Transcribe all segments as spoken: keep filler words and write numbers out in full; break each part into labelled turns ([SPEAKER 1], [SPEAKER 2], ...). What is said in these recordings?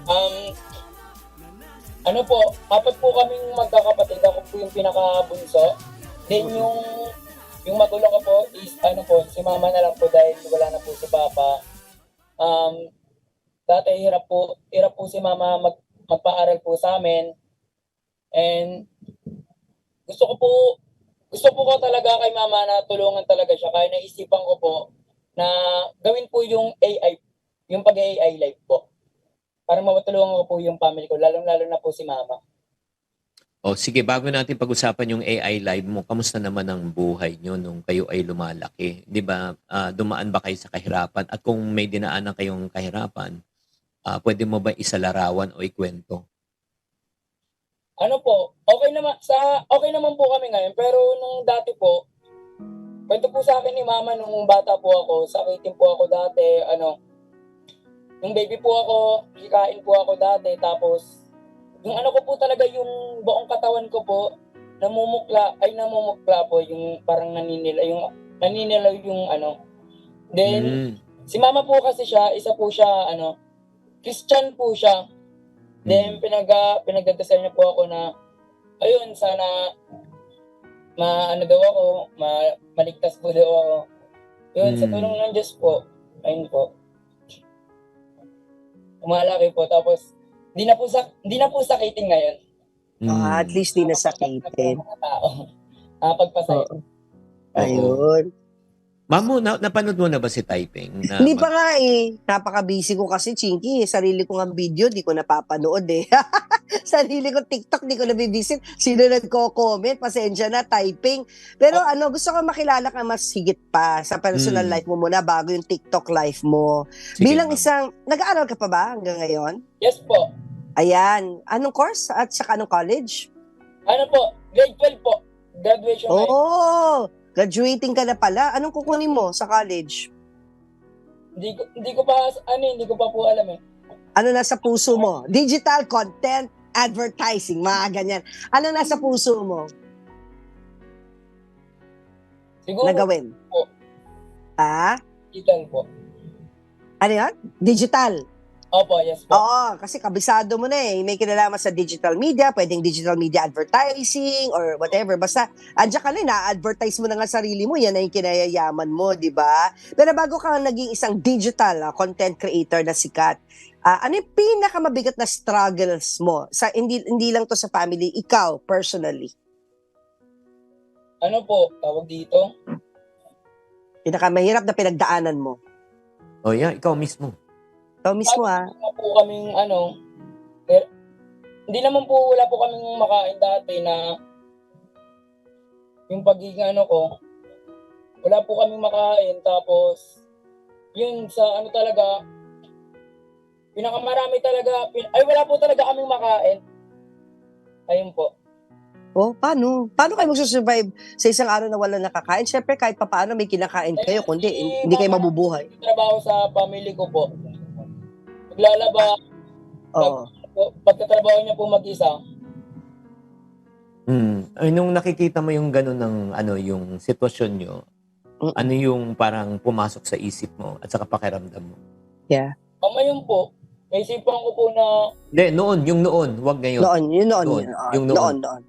[SPEAKER 1] Um, ano po, apat po kaming magkakapatid. Ako po yung pinakabunso. Then yung yung magulo ko po is ano po, si mama na lang po dahil wala na po si papa. Um, dati hirap po, hirap po si mama mag, magpaaral po sa amin. And gusto ko po, gusto po ko talaga kay mama na tulungan talaga siya. Kaya naisipan ko po na gawin po yung A I, yung pag-A I live po. Para matulungan ko po yung family ko, lalong-lalo na po si mama.
[SPEAKER 2] O sige, bago natin pag-usapan yung A I live mo, kamusta naman ang buhay nyo nung kayo ay lumalaki? Di ba, ah, dumaan ba kayo sa kahirapan? At kung may dinaanan kayong kahirapan, ah, pwede mo ba isalarawan o ikwento?
[SPEAKER 1] Ano po, okay naman, sa, okay naman po kami ngayon, pero nung dati po, kwento po sa akin ni mama nung bata po ako, sakitin po ako dati, ano, nung baby po ako, hikain po ako dati, tapos, yung ano ko po talaga, yung buong katawan ko po, namumukla, ay namumukla po, yung parang naninila, yung naninila yung ano. Then,
[SPEAKER 2] Mm.
[SPEAKER 1] si mama po kasi siya, isa po siya, ano, Christian po siya. Then,
[SPEAKER 2] Mm.
[SPEAKER 1] pinaga, pinagdadasal niya po ako na, ayun, sana, ma, ano daw ako, ma, maligtas po daw ako. Yun, sa
[SPEAKER 2] Mm.
[SPEAKER 1] tulong ng Diyos po, ayun po. Umalaki po, tapos, hindi na po, sa, hindi na po sakitin ngayon.
[SPEAKER 3] Ah, at
[SPEAKER 2] Mm.
[SPEAKER 3] least di nasakitin.
[SPEAKER 1] Mga tao. Nakapagpasaya.
[SPEAKER 3] Oo.
[SPEAKER 2] Oo.
[SPEAKER 3] Ayun.
[SPEAKER 2] Mamo, na napanood mo na ba si Typing? Na
[SPEAKER 3] Hindi pa
[SPEAKER 2] mag-
[SPEAKER 3] nga eh. Napaka-busy ko kasi, Chinky. Sarili ko nga video, di ko napapanood eh. Sarili ko TikTok, di ko nabibisit. Sino nagko-comment? Pasensya na, typing. Pero ano, gusto ko makilala ka mas higit pa sa personal
[SPEAKER 2] Mm.
[SPEAKER 3] life mo muna bago yung TikTok life mo.
[SPEAKER 2] Sige,
[SPEAKER 3] Bilang
[SPEAKER 2] ma'am.
[SPEAKER 3] isang, nag-aaral ka pa ba hanggang ngayon?
[SPEAKER 1] Yes po.
[SPEAKER 3] Ayan. Anong course at saka anong college?
[SPEAKER 1] Ano po, grade twelve po. Graduation night.
[SPEAKER 3] Oh, graduating ka na pala. Anong kukunin mo sa college?
[SPEAKER 1] Hindi ko, hindi ko pa, ano, hindi ko pa po alam eh.
[SPEAKER 3] Ano nasa puso mo? Digital content advertising, mga ganyan. Ano nasa puso mo
[SPEAKER 1] Siguro,
[SPEAKER 3] na gawin?
[SPEAKER 1] po,
[SPEAKER 3] Ha?
[SPEAKER 1] digital po.
[SPEAKER 3] Ano yan? Digital.
[SPEAKER 1] Opo, yes po.
[SPEAKER 3] Oo, kasi kabisado mo na eh. May kinalaman sa digital media, pwedeng digital media advertising or whatever. Basta, andyan ka na, na-advertise mo na nga sarili mo, yan na yung kinayayaman mo, di ba? Pero bago ka naging isang digital ah, content creator na sikat, ah, ano yung pinakamabigat na struggles mo? Sa, hindi, hindi lang to sa family, ikaw, personally.
[SPEAKER 1] Ano po, tawag dito?
[SPEAKER 3] Pinakamahirap na pinagdaanan mo.
[SPEAKER 2] Oh, yeah, ikaw mismo.
[SPEAKER 3] Ikaw mismo ah.
[SPEAKER 1] Wala po kaming, ano, eh, hindi naman po, wala po kaming makain dati na yung pagiging ano ko, wala po kaming makain. Tapos, yun sa ano talaga, pinakamarami talaga, pin, ay wala po talaga kaming makain. Ayun po.
[SPEAKER 3] Oh, paano? Paano kayo magsusurvive sa isang araw na wala nakakain? Siyempre, kahit papaano may kinakain kayo, kundi hindi kayo mabubuhay.
[SPEAKER 1] Trabaho sa family ko po. Maglalaba,
[SPEAKER 3] Oo.
[SPEAKER 1] pagkatrabaho niya po mag-isa.
[SPEAKER 2] Mm. Ay, nung nakikita mo yung gano'n ng ano, yung sitwasyon nyo,
[SPEAKER 3] Mm-mm.
[SPEAKER 2] ano yung parang pumasok sa isip mo at sa pakiramdam mo?
[SPEAKER 3] Yeah.
[SPEAKER 1] Ang ayun po, naisipan ko po na
[SPEAKER 2] Hindi, noon, yung noon, wag ngayon.
[SPEAKER 3] Noon, yun noon.
[SPEAKER 2] Noon,
[SPEAKER 3] Yun, ah,
[SPEAKER 2] yung
[SPEAKER 3] noon,
[SPEAKER 2] noon.
[SPEAKER 3] noon.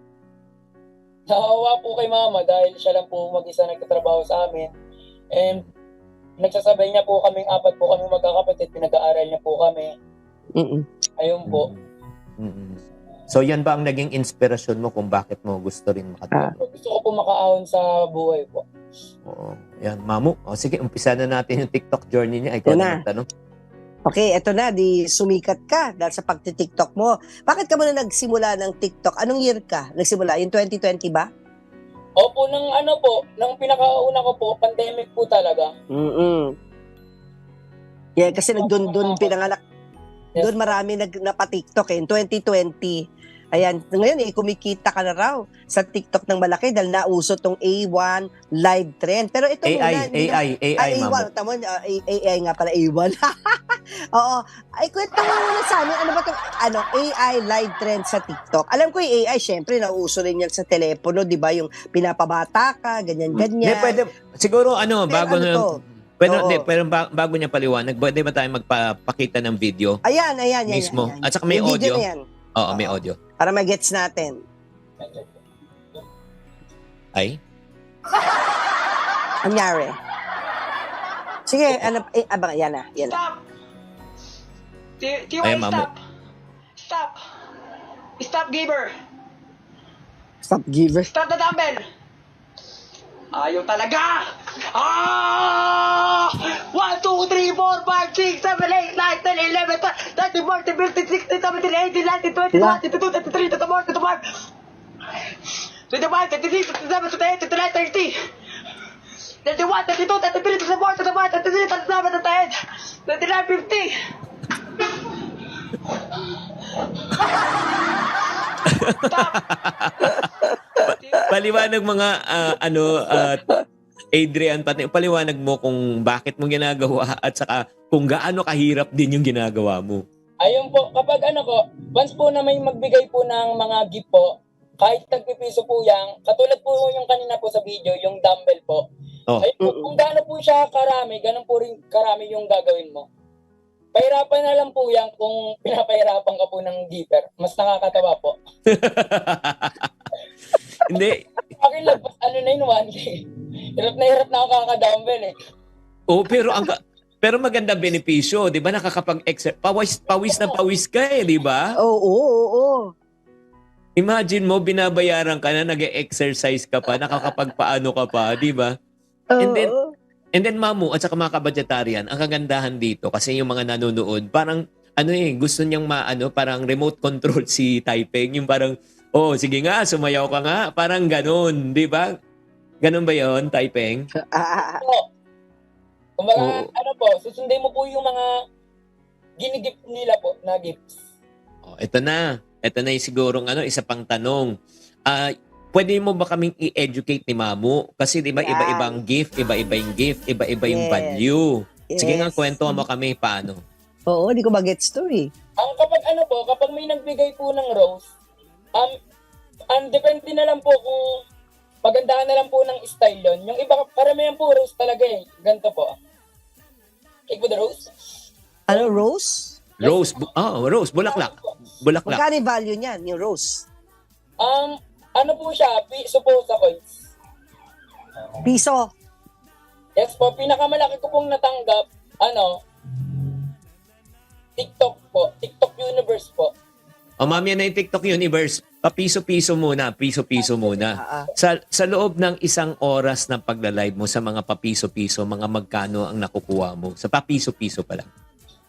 [SPEAKER 1] naawa po kay mama dahil siya lang po mag-isa nagtatrabaho sa amin. And nagsasabay niya po kaming apat po kami magkakapatid, pinag-aaral niya po kami.
[SPEAKER 3] Mm-mm.
[SPEAKER 1] Ayun po.
[SPEAKER 2] Mm-mm. So yan ba ang naging inspirasyon mo kung bakit mo gusto rin
[SPEAKER 3] Ah.
[SPEAKER 2] makatulong?
[SPEAKER 1] Gusto ko po makaahon sa buhay po.
[SPEAKER 2] Oo. Yan, Mamu. O sige, umpisa na natin yung TikTok journey niya. Ikaw
[SPEAKER 3] Yan
[SPEAKER 2] na
[SPEAKER 3] na.
[SPEAKER 2] magtanong.
[SPEAKER 3] Okay, eto na, di sumikat ka dahil sa pagti-TikTok mo. Bakit ka muna nagsimula ng TikTok? Anong year ka nagsimula? Yung twenty twenty ba?
[SPEAKER 1] Opo, nang ano po, nang pinakauna ko po, pandemic po talaga.
[SPEAKER 3] Mm-mm. Yan, kasi nagdun-dun pinanganak.
[SPEAKER 1] Yes.
[SPEAKER 3] Doon marami nag napa-TikTok eh, in twenty twenty. Ayan, ngayon eh, kumikita ka na raw sa TikTok ng malaki dahil nauso tong A one live trend. Pero ito
[SPEAKER 2] A I,
[SPEAKER 3] muna, hindi na-
[SPEAKER 2] A I, A I,
[SPEAKER 3] Ay, A one.
[SPEAKER 2] Mamu.
[SPEAKER 3] Tama, uh, A I nga pala, A one. Oo. Ay, kwento mo muna sa amin, ano ba itong ano, A I live trend sa TikTok? Alam ko yung A I, syempre, nauso rin yan sa telepono, di ba? Yung pinapabata ka,
[SPEAKER 2] Hindi,
[SPEAKER 3] ganyan-ganyan.
[SPEAKER 2] pwede. Siguro, ano,
[SPEAKER 3] Pero
[SPEAKER 2] bago
[SPEAKER 3] ano
[SPEAKER 2] na,
[SPEAKER 3] to?
[SPEAKER 2] Pero,
[SPEAKER 3] Oo.
[SPEAKER 2] hindi, pero ba- bago niya paliwanag, pwede ba tayo magpapakita ng video?
[SPEAKER 3] Ayan, ayan, ayan.
[SPEAKER 2] Mismo.
[SPEAKER 3] ayan.
[SPEAKER 2] At saka may
[SPEAKER 3] Yung video
[SPEAKER 2] audio?
[SPEAKER 3] na yan.
[SPEAKER 2] Oo, may
[SPEAKER 3] Oo.
[SPEAKER 2] audio.
[SPEAKER 3] Para magets natin.
[SPEAKER 2] Ay?
[SPEAKER 3] Anyari. Sige, ano, eh, abang, yan na, yan na.
[SPEAKER 4] Stop! T- T Y,
[SPEAKER 2] Ayan, Mamo.
[SPEAKER 4] stop! Stop! Stop, giver!
[SPEAKER 3] Stop giver.
[SPEAKER 4] Stop the dumbbell! Ayaw talaga! Ah! one, two, three, four, five, six, seven, eight, nine, ten, eleven, twelve, thirteen, fourteen, fifteen, sixteen, seventeen, eighteen, nineteen, twenty,
[SPEAKER 3] La.
[SPEAKER 4] twenty-two, twenty-three, twenty-four, twenty-five, twenty-five, twenty-six, twenty-seven, twenty-eight, twenty-nine, thirty, thirty-one, thirty-two, thirty-three, thirty-four, thirty-five, thirty-six, thirty-seven, thirty-eight, thirty-nine, fifty.
[SPEAKER 2] Paliwanag mga ah, ano at Adrian, pati paliwanag mo kung bakit mo ginagawa at saka kung gaano kahirap din yung ginagawa mo.
[SPEAKER 1] Ayun po, kapag ano ko, once po na may magbigay po ng mga gift po, kahit tagpipiso po yan, katulad po yung kanina po sa video, yung dumbbell po.
[SPEAKER 2] Oh.
[SPEAKER 1] Ayun po, kung gaano po siya karami, ganun po rin karami yung gagawin mo. Pahirapan na lang po yan kung pinapahirapan ka po ng giver. Mas nakakatawa po.
[SPEAKER 2] Hindi.
[SPEAKER 1] Akin lang, ano na yun, one K. Hirap na hirap na ako kakadumbbell eh.
[SPEAKER 2] Oh, pero ang pero maganda benepisyo, 'di ba? Nakakapag-exercise. Pawis pawis na pawis ka eh, 'di ba?
[SPEAKER 3] Oo, oo, oo.
[SPEAKER 2] Imagine mo binabayaran ka na nag-exercise ka pa, nakakapagpaano ka pa, 'di ba? And then,
[SPEAKER 3] Oo.
[SPEAKER 2] And then Mamu at saka mga kabadgetarian, ang kagandahan dito kasi yung mga nanonood, parang ano eh, gusto niyang maano, parang remote control si Taipeng, yung parang oh, sige nga, sumayaw ka nga, parang ganun, 'di ba? Ganun ba 'yon, Taipeng?
[SPEAKER 3] Ah,
[SPEAKER 1] So, kumbaga,
[SPEAKER 2] Oo.
[SPEAKER 1] ano po, susundin mo po yung mga ginigip nila po na gifts.
[SPEAKER 2] Oh, ito na. Ito na yung sigurong ano, isa pang tanong. Ah, pwede mo ba kaming i-educate ni Mamu? Kasi 'di ba
[SPEAKER 3] Yan.
[SPEAKER 2] iba-ibang gift, iba-iba yung gift, iba-iba yung
[SPEAKER 3] Yes.
[SPEAKER 2] value. Sige nga,
[SPEAKER 3] yes.
[SPEAKER 2] kwento mo kami paano.
[SPEAKER 3] Oo, di ko mag-gets to eh.
[SPEAKER 1] Ang kapag ano po, kapag may nagbigay po ng rose, um, ang depende na lang po kung pagandahan na lang po ng style yon. Yung iba, karamihan po rose talaga eh. Ganito po. Take po the rose.
[SPEAKER 3] Ano, rose?
[SPEAKER 2] Rose, bu- oh, rose, bulaklak. Bulaklak.
[SPEAKER 3] Magkano yung value niyan, yung rose?
[SPEAKER 1] Um, ano po siya, piso po sa coins.
[SPEAKER 3] Piso.
[SPEAKER 1] Yes po, pinakamalaki ko pong natanggap, ano, TikTok po, TikTok Universe po.
[SPEAKER 2] O mami, yan na yung TikTok Universe. Papiso-piso muna, piso-piso muna.
[SPEAKER 3] Ah, ah.
[SPEAKER 2] Sa sa loob ng isang oras ng pagla-live mo sa mga papiso-piso, mga magkano ang nakukuha mo? Sa papiso-piso pa lang.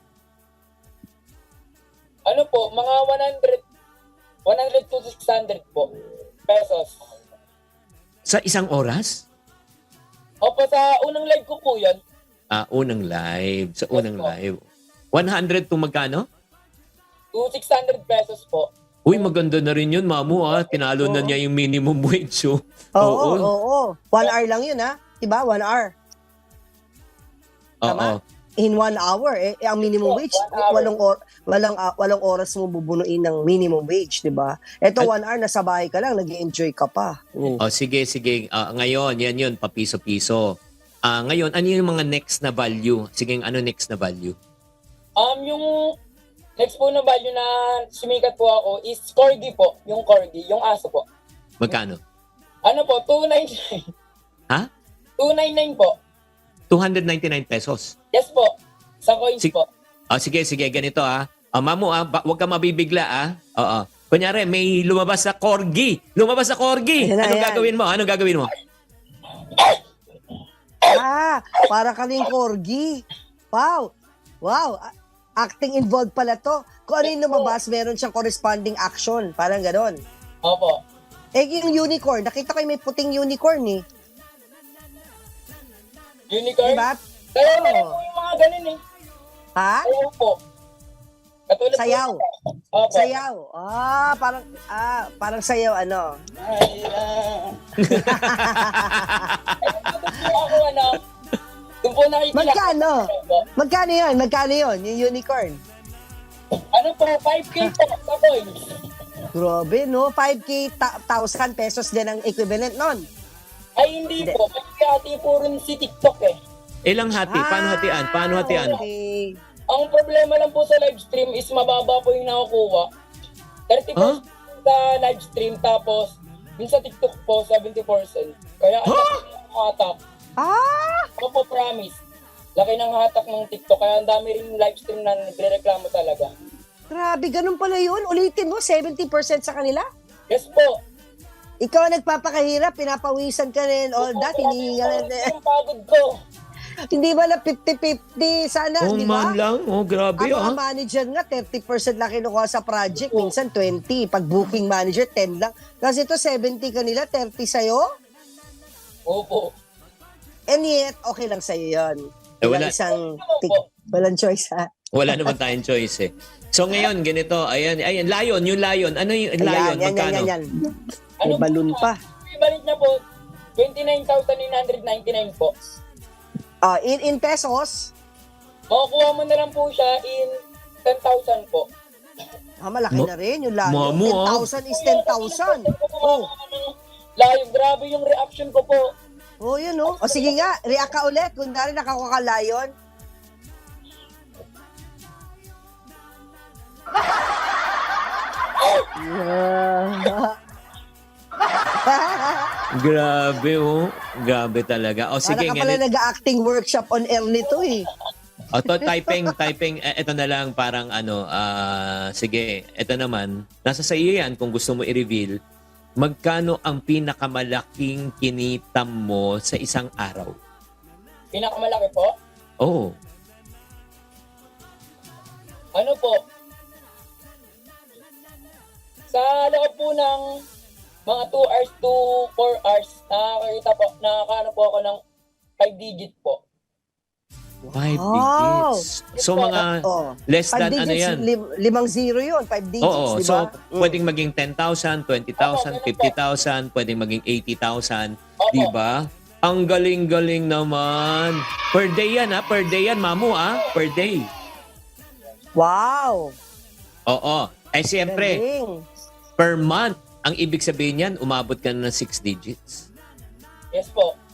[SPEAKER 1] Ano po, mga one hundred, one hundred to six hundred po, pesos.
[SPEAKER 2] Sa isang oras?
[SPEAKER 1] Opo, sa unang live ko po yun,
[SPEAKER 2] Ah, unang live. Sa unang
[SPEAKER 1] Yes, po.
[SPEAKER 2] live. one hundred to magkano?
[SPEAKER 1] to six hundred pesos po.
[SPEAKER 2] Uy, maganda na rin yun, mamu ah. Tinalo na
[SPEAKER 3] Oo.
[SPEAKER 2] niya yung minimum wage. So,
[SPEAKER 3] Oo, oo, oo. One hour lang yun, ha? Diba? One hour.
[SPEAKER 2] Oo.
[SPEAKER 3] Tama? In one hour, eh, eh, ang minimum
[SPEAKER 1] Oo,
[SPEAKER 3] wage,
[SPEAKER 1] one hour.
[SPEAKER 3] walong, or, walang, ah, walong oras mo bubunuin ng minimum wage, di ba? Ito,
[SPEAKER 2] At-
[SPEAKER 3] one hour, nasa bahay ka lang, nag enjoy ka pa. Mm.
[SPEAKER 2] Oh, sige, sige. Ah, ngayon, yan yun, papiso-piso. Ah, ngayon, ano yung mga next na value? Sige, ano next na value?
[SPEAKER 1] Um, yung next po na value na sumikat po ako is corgi po, yung corgi, yung aso po.
[SPEAKER 2] Magkano?
[SPEAKER 1] Ano po, two ninety-nine.
[SPEAKER 2] Ha?
[SPEAKER 1] two ninety-nine po.
[SPEAKER 2] two hundred ninety-nine pesos.
[SPEAKER 1] Yes po, sa coins
[SPEAKER 2] Sig-
[SPEAKER 1] po.
[SPEAKER 2] Ah, sige, sige, ganito ah. Ah, mamu ah, ba- huwag ka mabibigla ah. Oo. Kunyari, may lumabas na corgi. Lumabas na corgi.
[SPEAKER 3] Ayan na,
[SPEAKER 2] Anong
[SPEAKER 3] ayan.
[SPEAKER 2] gagawin mo? Anong gagawin mo?
[SPEAKER 3] Ah, para ka rin corgi. Wow. Wow. A- Acting involved pala to. Kung ano yung lumabas, meron siyang corresponding action. Parang ganon.
[SPEAKER 1] Opo.
[SPEAKER 3] Eh, yung unicorn, nakita ko yung may puting unicorn eh.
[SPEAKER 1] Unicorn.
[SPEAKER 3] Diba?
[SPEAKER 1] Sayaw na rin
[SPEAKER 3] Oo.
[SPEAKER 1] po yung mga ganun eh.
[SPEAKER 3] Ha?
[SPEAKER 1] Sayaw po. Katulad
[SPEAKER 3] Sayaw.
[SPEAKER 1] po. Opo.
[SPEAKER 3] Sayaw. Ah, parang, ah, parang sayaw, ano.
[SPEAKER 1] Ay, ah. Doon po ako ano, doon po nakikilala.
[SPEAKER 3] Magkano?
[SPEAKER 1] Opo.
[SPEAKER 3] Magkano yun? Magkano yun? Yung unicorn?
[SPEAKER 1] Ano po, five K po sa coins.
[SPEAKER 3] Grabe, no? five K, ta- thousand pesos din ang equivalent nun.
[SPEAKER 1] Ay, hindi
[SPEAKER 3] Hindi.
[SPEAKER 1] po. Kasi ati po rin si TikTok eh.
[SPEAKER 2] Ilang hati? Paano hatian? Paano hatian?
[SPEAKER 3] Okay.
[SPEAKER 1] Ang problema lang po sa live stream is mababa po yung nakukuha. thirty percent sa live stream, tapos yung sa TikTok po, seventy percent. Kaya ang laki ng hatak.
[SPEAKER 3] Ah!
[SPEAKER 1] Ako po promise, laki ng hatak ng TikTok. Kaya ang dami rin live stream na nagre-reklamo talaga.
[SPEAKER 3] Grabe, ganun pala yun. Ulitin mo, seventy percent sa kanila?
[SPEAKER 1] Yes po.
[SPEAKER 3] Ikaw ang nagpapakahirap, pinapawisan ka rin, all that, hinihingal.
[SPEAKER 1] Yung pagod ko.
[SPEAKER 3] Hindi ba na fifty-fifty sana,
[SPEAKER 2] Oh,
[SPEAKER 3] di
[SPEAKER 2] man
[SPEAKER 3] ba?
[SPEAKER 2] lang. Oh, grabe
[SPEAKER 3] Ang
[SPEAKER 2] ah.
[SPEAKER 3] mga manager nga, thirty percent lang kinukuha sa project, minsan twenty. Pag booking manager, ten lang. Kasi ito, seventy kanila, thirty sa'yo.
[SPEAKER 1] Opo.
[SPEAKER 3] And yet, okay lang sa'yo yun.
[SPEAKER 2] Eh, wala.
[SPEAKER 3] Isang,
[SPEAKER 1] Opo.
[SPEAKER 3] walang choice ha.
[SPEAKER 2] Wala naman tayong choice eh. So ngayon, ganito. Ayan, ayan. Lion, yung lion. Ano yung lion?
[SPEAKER 3] Ayan, yan, yan,
[SPEAKER 2] Magkano?
[SPEAKER 3] yan, yan.
[SPEAKER 1] Ano
[SPEAKER 3] May balloon
[SPEAKER 1] po,
[SPEAKER 3] pa.
[SPEAKER 1] Equivalent niya po, twenty-nine thousand nine hundred ninety-nine po.
[SPEAKER 3] Ah, in, in pesos,
[SPEAKER 1] Makukuha mo na lang po siya in ten thousand po.
[SPEAKER 3] ah, malaki
[SPEAKER 2] Ma-
[SPEAKER 3] na rin yung layo.
[SPEAKER 2] Mamo, ah.
[SPEAKER 3] ten thousand is ten thousand.
[SPEAKER 1] Oh. Live, grabe yung reaction ko po.
[SPEAKER 3] Oh, yun oh. O sige nga, react ka ulit. Kung dahil nakakuha ka layon.
[SPEAKER 2] Grabe oh. Grabe talaga. O sige,
[SPEAKER 3] Para ka pala
[SPEAKER 2] ganito.
[SPEAKER 3] nag-acting workshop on air nito eh.
[SPEAKER 2] O to, typing, typing. Eh, ito na lang parang ano, ah, sige, ito naman. Nasa sa iyo yan kung gusto mo i-reveal. Magkano ang pinakamalaking kinita mo sa isang araw?
[SPEAKER 1] Pinakamalaki po.
[SPEAKER 2] Oh.
[SPEAKER 1] Ano po? Sa loob po ng mga two hours to four hours, nakakita po, nakakaano po ako ng five digit po.
[SPEAKER 2] Five
[SPEAKER 3] Wow.
[SPEAKER 2] digits. So mga
[SPEAKER 3] Oh.
[SPEAKER 2] less
[SPEAKER 3] Five
[SPEAKER 2] than ano
[SPEAKER 3] digits,
[SPEAKER 2] yan?
[SPEAKER 3] lim- limang zero yun. Five digits,
[SPEAKER 2] Oo,
[SPEAKER 3] di
[SPEAKER 2] so
[SPEAKER 3] ba? Mm.
[SPEAKER 2] pwedeng maging ten thousand, twenty thousand, fifty thousand, pwedeng maging eighty thousand,
[SPEAKER 1] Opo.
[SPEAKER 2] di ba? Ang galing-galing naman. Per day yan ha, per day yan, mamu ha, per day.
[SPEAKER 3] Wow.
[SPEAKER 2] Oo. Eh siyempre,
[SPEAKER 3] Galing.
[SPEAKER 2] per month, ang ibig sabihin yan, umabot ka na ng six digits.
[SPEAKER 1] Yes po.